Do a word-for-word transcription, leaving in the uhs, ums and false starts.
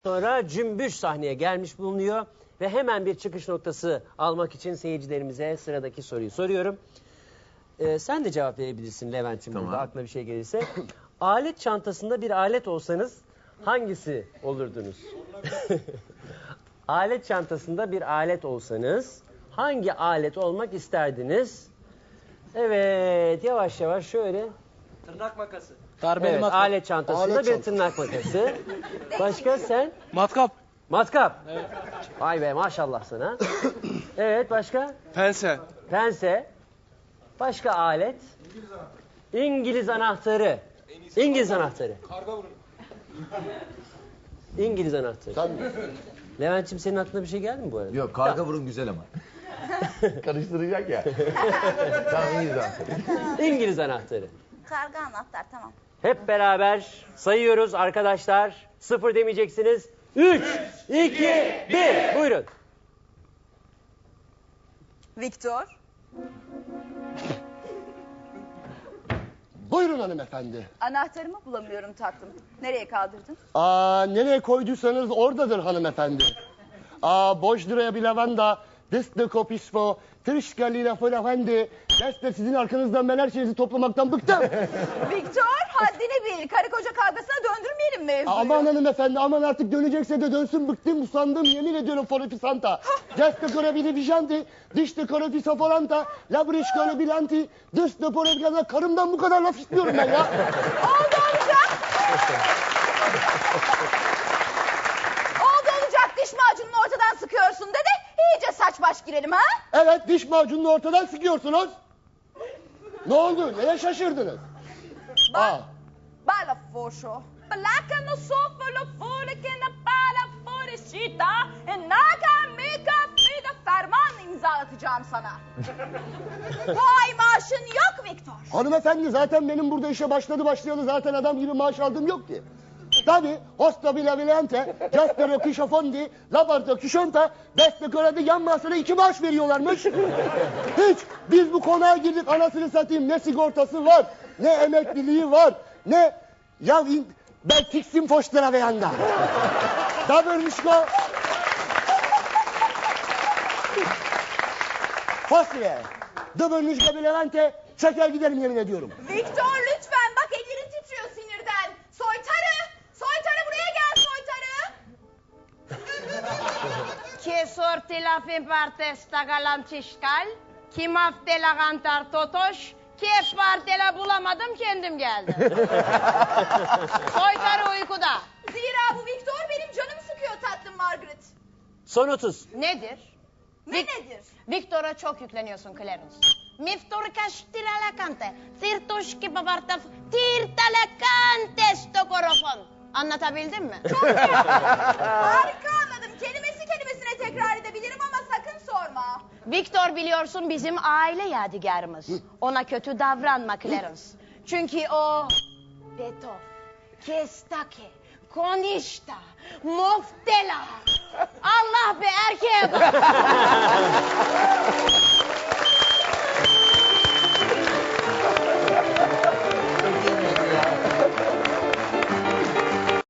Sonra Cümbüş sahneye gelmiş bulunuyor ve hemen bir çıkış noktası almak için seyircilerimize sıradaki soruyu soruyorum. Ee, sen de cevap verebilirsin Levent'im, tamam. Burada aklına bir şey gelirse. Alet çantasında bir alet olsanız hangisi olurdunuz? Alet çantasında bir alet olsanız hangi alet olmak isterdiniz? Evet, yavaş yavaş şöyle. Tırnak makası. Darbeli evet, matkap. Alet çantasında alet bir çantası. Tırnak makası. Başka sen? Matkap. Matkap. Evet. Vay be, maşallah sana. Evet, başka? Pense. Pense. Başka alet? İngiliz anahtarı. İngiliz anahtarı. Karga vurun. İngiliz anahtarı. Tabii. Levent'ciğim, senin aklına bir şey geldi mi bu arada? Yok, karga vurun güzel ama. Karıştıracak ya. Tamam, İngiliz anahtarı. İngiliz anahtarı. Karga anahtar, tamam. Hep beraber sayıyoruz arkadaşlar. Sıfır demeyeceksiniz. Üç, iki, bir. Buyurun. Viktor. Buyurun hanımefendi. Anahtarımı bulamıyorum tatlım. Nereye kaldırdın? Aa, nereye koyduysanız oradadır hanımefendi. Aa, boş liraya bir lavanda, destek kopismo, tırışkali lafı efendi. Destek sizin arkanızdan ben her şeyinizi toplamaktan bıktım. Viktor, haddini bil. Karı koca kavgasına döndürmeyelim mevzuyu. Aman hanımefendi, aman artık dönecekse de dönsün, bıktım, usandım, yemin ediyorum forefisanta. Destek korabili vijanti, dişte korefisa folanta, labrişkole bilanti, dışta porefisa, karımdan bu kadar laf istiyorum ben ya. Oldu olacak. Oldu olacak, diş macununu ortadan sıkıyorsun dedi. İyice saç baş girelim ha? Evet, diş macununu ortadan sıkıyorsunuz. Ne oldu? Neye şaşırdınız? Ba bala foşo. Balaka no sofo lo fole que na bala forecita. E naka mika fida ferman imzalatacağım sana. Bu ay maaşın yok Viktor. Hanımefendi, zaten benim burada işe başladı başlayalı zaten adam gibi maaş aldığım yok ki. Tabi, hosta bilabilente, castero kişofondi, laborto kişonta, destekorede yan masada iki maaş veriyorlarmış. Hiç, biz bu konağa girdik, anasını satayım, ne sigortası var, ne emekliliği var, ne... Ya in... ben tiksim foşlara ve yanda. Da bölmüşko. Fosile, da bölmüşko bilevente, çeker giderim yemin ediyorum. Viktor lütfen, bak ellerin titriyor sinirden. Soytarı, soytarı buraya gel soytarı. Che sorti la fin parte sta galantiskal, kim hafte la gantar totoş, ki parte la bulamadım kendim geldim. Soytarı uykuda. Zira bu Viktor benim canımı sıkıyor tatlım Margaret. Son otuz. Nedir? Ne Vik nedir? Viktor'a çok yükleniyorsun Clarence. Miftor kaştira la kante, tirtoşki babartaf, tirta la kante stokorofon. Anlatabildim mi? Çok iyi. Harika anladım. Kelimesi kelimesine tekrar edebilirim ama sakın sorma. Viktor biliyorsun bizim aile yadigarımız. Ona kötü davranma Clarence. Çünkü o... Betov, Kestake, Konişta, Moftela. Allah be, erkeğe bak.